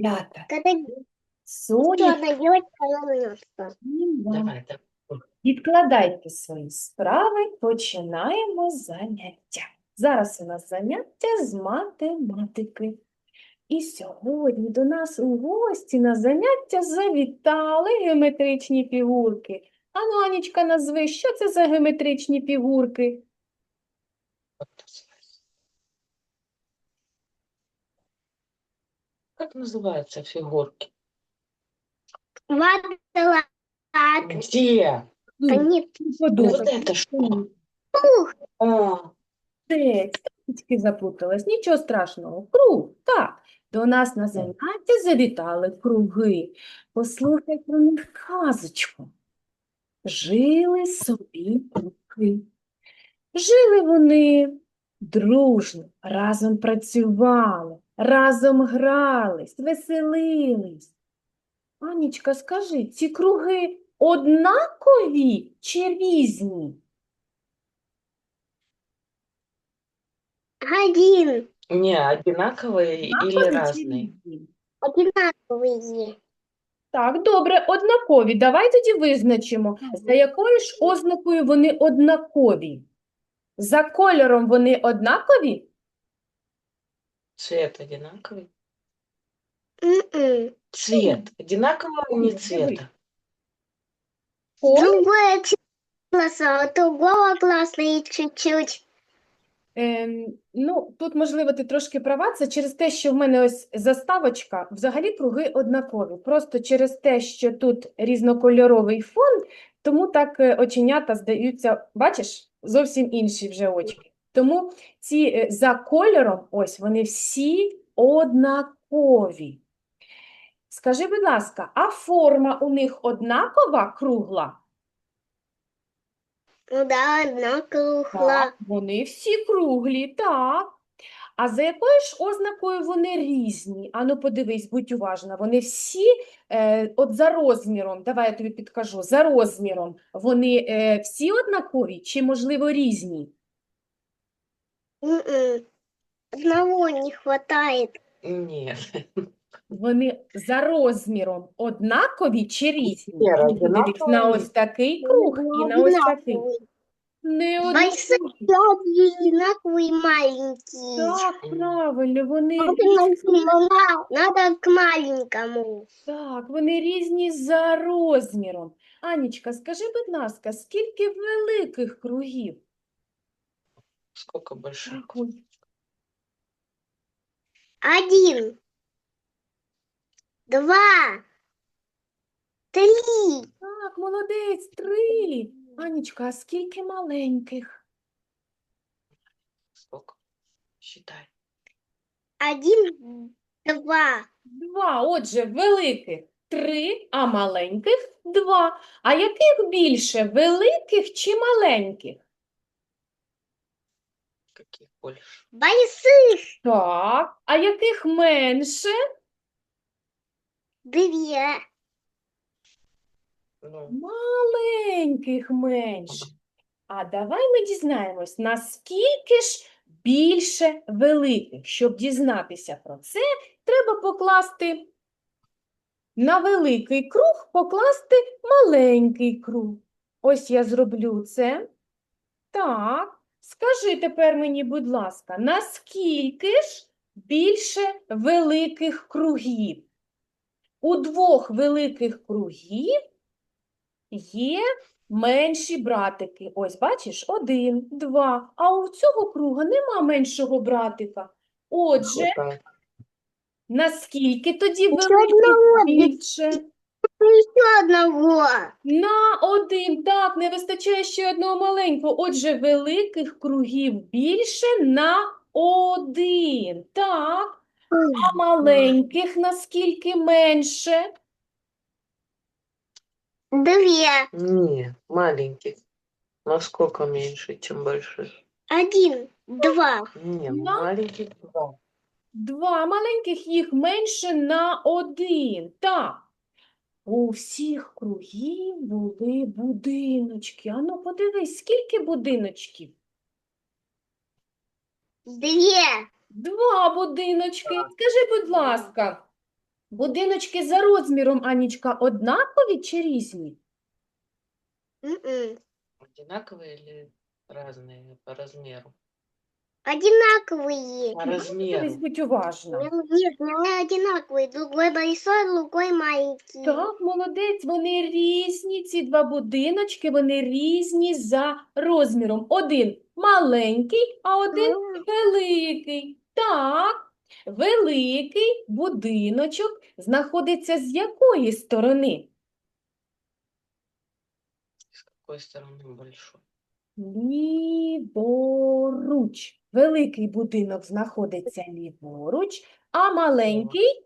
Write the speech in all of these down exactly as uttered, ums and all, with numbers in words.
Малята, Когда сонячні черная девочка улыбнется. вам. Давай, давай. Відкладайте свої справи, починаємо заняття. Зараз у нас заняття з математики. І сьогодні до нас у гості на заняття завітали геометричні фігурки. Ану, Анічка, назви, що це за геометричні фігурки? Вот называется. Как называются фигурки? Квадрат. Где? Ну, Нет. подумай. Вот это что? Ух, А, Молодець, трішки заплуталась, нічого страшного. Круг, так. До нас на заняття завітали круги. Послухай про них казочку. Жили собі круги. Жили вони дружно, разом працювали, разом грались, веселились. Анічка, скажи, ці круги однакові чи різні? один. не, одинаковые или Однакові чи разные? різні? Одинаковые. Так, добре, однакові. Давай тоді визначимо, за якою ж ознакою вони однакові. За кольором вони однакові? Цвет одинаковый? М-м. Цвет. Одинакового а не цвета? Колір? Другое класса, а другого класса и чуть-чуть. Ем, ну, тут, можливо, ти трошки права. Це через те, що в мене ось заставочка, взагалі круги однакові. Просто через те, що тут різнокольоровий фон, тому так е, оченята здаються, бачиш, зовсім інші вже очки. Тому ці е, за кольором, ось, вони всі однакові. Скажи, будь ласка, а форма у них однакова, кругла? Ну да, одна кругла. Так, вони всі круглі, так. А за якою ж ознакою вони різні? Ану, подивись, будь уважна. Вони всі, е, от за розміром, давай я тобі підкажу, за розміром, вони е, всі однакові чи, можливо, різні? М-м. Одного не хватает. Нет. Вони за розміром однакові чи різні? Віра, Ану, подивись на однакові. ось такий круг і на ось такий. Одинаковый. Не Большой, однакові. одинаковый, маленький. Так, правильно, вони Надо, різні. на- надо к маленькому. Так, вони різні за розміром. Анічка, скажи, будь ласка, скільки великих кругів? Сколько больших? Рахуй. Один, два, три. Так, молодець, три. Анічка, а скільки маленьких? Сколько? Считай. Один, два. Два. Отже, великих три, а маленьких два. А яких більше, великих чи маленьких? Каких больше? Больших. Так, а яких менше? Две. Ну, Маленьких менше. А давай ми дізнаємось, наскільки ж більше великих. Щоб дізнатися про це, треба покласти на великий круг, покласти маленький круг. Ось я зроблю це. Так, скажи тепер мені, будь ласка, наскільки ж більше великих кругів? У двох великих кругів є менші братики. Ось, бачиш, один, два. А у цього круга нема меншого братика. Отже, хватает. наскільки тоді Ще великих одного більше? Еще одного. На один. Так, не вистачає ще одного маленького. Отже, великих кругів більше на один. Так. А маленьких наскільки менше? Две. Не, маленьких. Насколько меньше, чем больших? Один, два. Не, Да? маленьких два. Два маленьких, їх менше на один. Так. У всіх кругів були будиночки. Ану, подивись, скільки будиночків? Две. Два будиночки. Скажи, будь ласка, Будиночки за розміром, Анічка, однакові чи різні? М-м. Одинаковые или разные по размеру? Одинаковые. По Дивись, размеру. будь уважна. Нет, не одинаковые. Другой большой, другой маленький. Так, молодець, вони різні, ці два будиночки, вони різні за розміром. Один маленький, а один М. великий. Так, великий будиночок знаходиться з якої сторони? С какой стороны большой? Ліворуч. Великий будинок знаходиться ліворуч, а маленький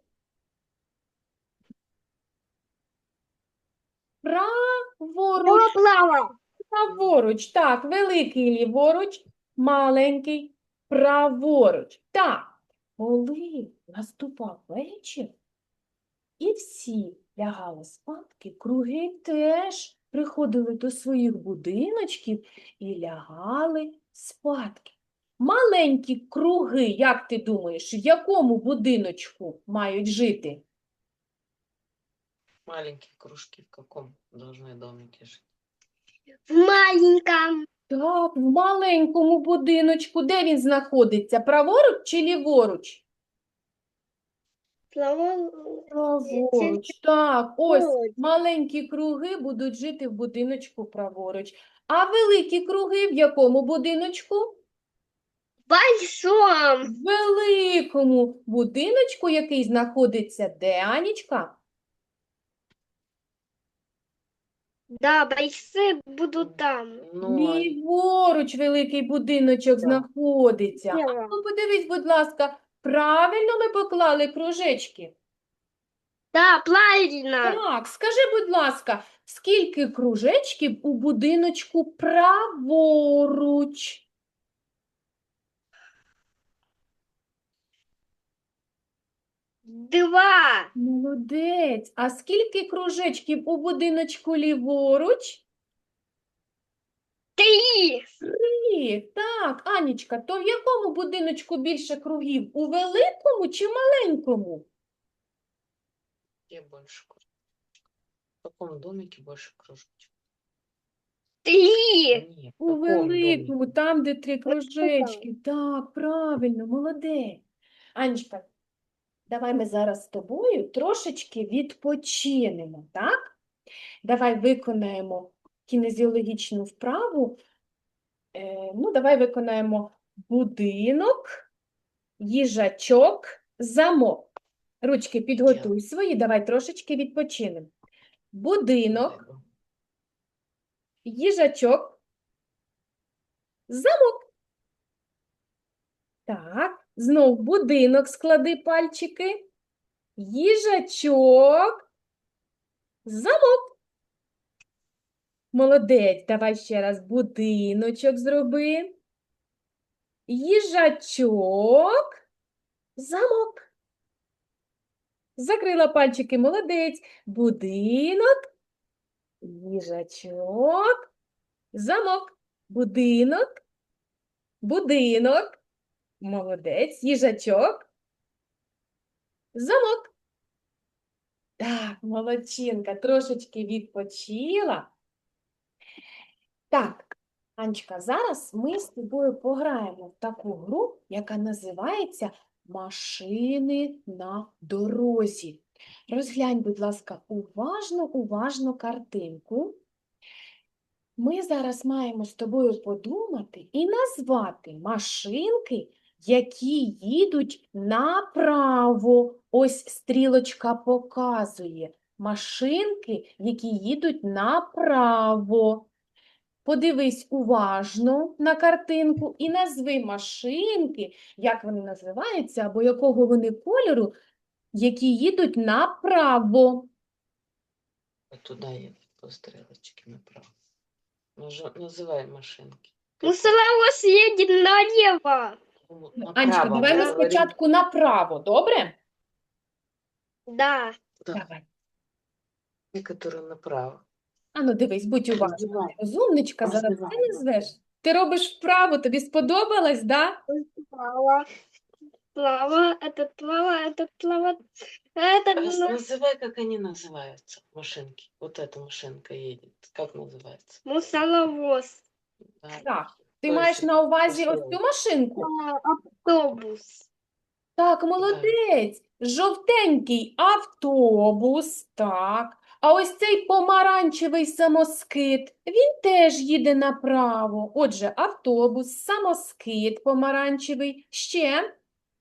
праворуч. Плава. Праворуч. Так, великий ліворуч, маленький праворуч. Так, коли наступав вечір, і всі лягали спадки, круги теж приходили до своїх будиночків і лягали спадки. Маленькі круги, як ти думаєш, в якому будиночку мають жити? Маленькие кружки в каком должны домике жить? В маленьком. Так, в маленькому будиночку. Де він знаходиться? Праворуч чи ліворуч? Плава. Праворуч. Так, ось Праворуч. маленькі круги будуть жити в будиночку праворуч. А великі круги в якому будиночку? Большом. В великому будиночку, який знаходиться де, Анічка? Да, большие будут там. Ну, а Ліворуч великий будиночок Так. знаходиться. А Зліва. ну, подивись, будь ласка, правильно ми поклали кружечки? Да, правильно. Так, скажи, будь ласка, скільки кружечків у будиночку праворуч? Два. Молодець. А скільки кружечків у будиночку ліворуч? Три. Три. Так, Анічка, то в якому будиночку більше кругів? У великому чи маленькому? где больше кружочков? В каком домике больше кружочков? Три. Нет, в У каком домике? великому, там, де три кружечки. Так, правильно, молодець. Анечка, давай ми зараз з тобою трошечки відпочинемо, так? Давай виконаємо кінезіологічну вправу. Е, ну, давай виконаємо будинок, їжачок, замок. Ручки підготуй свої, давай трошечки відпочинемо. Будинок, Дай, їжачок, замок. Так, знов будинок склади пальчики. Їжачок, замок. Молодець, давай ще раз будиночок зроби. Їжачок, замок. Закрила пальчики, молодець. Будинок, їжачок, замок. Будинок, будинок. Молодець, їжачок, замок. Так, молодчинка, трошечки відпочила. Так, Анечка, зараз ми з тобою пограємо в таку гру, яка називається «Машини на дорозі». Розглянь, будь ласка, уважно, уважно картинку. Ми зараз маємо з тобою подумати і назвати машинки, які їдуть направо. Ось стрілочка показує. Машинки, які їдуть направо. Подивись уважно на картинку і назви машинки, як вони називаються, або якого вони кольору, які їдуть направо. Вот туда едет по стрелочке направо. Нажа- Называй машинки. Ну, Салаос едет налево. Ну, Анечка, направо, давай мы ми говорим. спочатку направо, добре? Да. Да, Давай. те, которые направо. Ану, дивись, будь уважна. Роздівай. Розумничка, зараз ти Роздівай. назвеш. Ти робиш вправу, тобі сподобалось, да? Лава, этот лава, этот лава, этот Раз- на- Называй, как они называются, машинки. Вот эта машинка едет. Как называется? мусоровоз, Да. Так, ти То маєш есть на увазі ось построил. цю машинку? а, автобус, Так, молодець. Жовтенький автобус, так. А ось цей помаранчевий самоскид, він теж їде направо. Отже, автобус, самоскид помаранчевий. Ще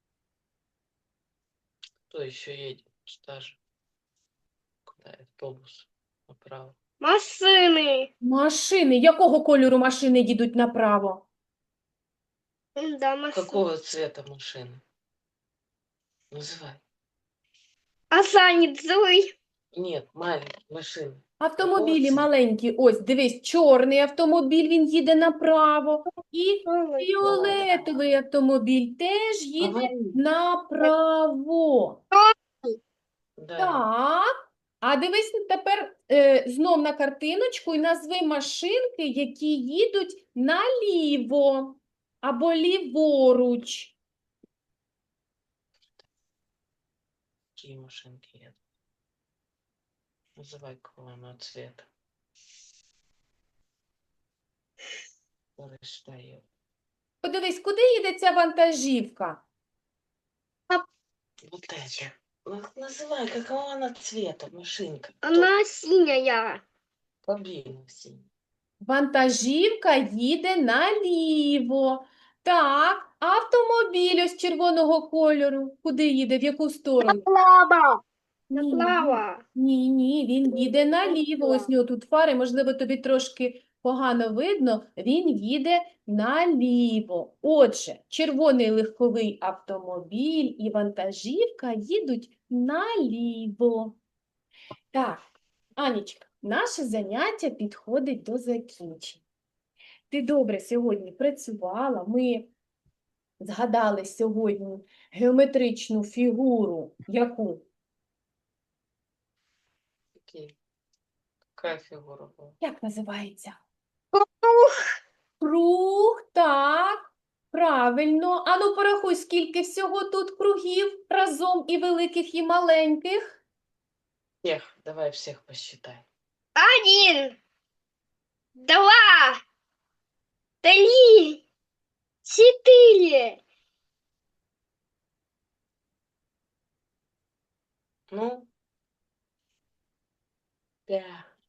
Кто еще едет? Даже. Куда? Автобус. Направо. машины, машини. Якого кольору машини їдуть направо? да, машины. Какого цвета машина? Называй. А сани Зуй, Нет, маленькие машины. Автомобілі цвіту? маленькі. Ось, дивись, чорний автомобіль, він їде направо. І фіолетовий автомобіль теж їде Говори. направо. Да. Так. А дивись тепер е, знов на картиночку і назви машинки, які їдуть наліво або ліворуч. Какие машинки едут? Называй, какого она цвета. Который стоит. Подивись, куди їде ця вантажівка? Вот эти. Ну, Называй, какого она цвета, машинка. она синяя, Кабина синяя. Вантажівка їде наліво. Так, автомобіль ось червоного кольору. Куди їде? В яку сторону? лава, Ні, ні, лава, ні, ні, він їде наліво. Ось у нього тут фари, можливо, тобі трошки погано видно. Він їде наліво. Отже, червоний легковий автомобіль і вантажівка їдуть наліво. Так, Анічка, наше заняття підходить до закінчення. Ти добре сьогодні працювала, ми згадали сьогодні геометричну фігуру, яку? Какие? Какая фигура была? Як називається? круг, Круг, так, правильно. Ану, порахуй, скільки всього тут кругів разом і великих, і маленьких. Всех, давай всех посчитай. один, два, три, четыре, Ну, пять.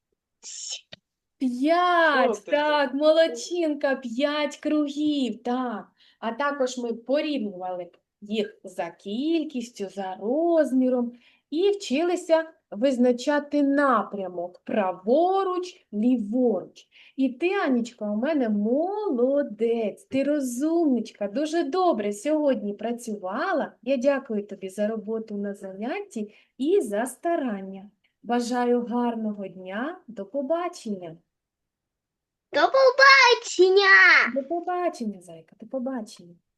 П'ять, Що ти так, молодчинка, п'ять кругів, так. А також ми порівнювали їх за кількістю, за розміром і вчилися визначати напрямок праворуч, ліворуч. І ти, Анічка, у мене молодець, ти розумничка, дуже добре сьогодні працювала. Я дякую тобі за роботу на занятті і за старання. Бажаю гарного дня, до побачення. до побачення! До побачення, зайка, до побачення.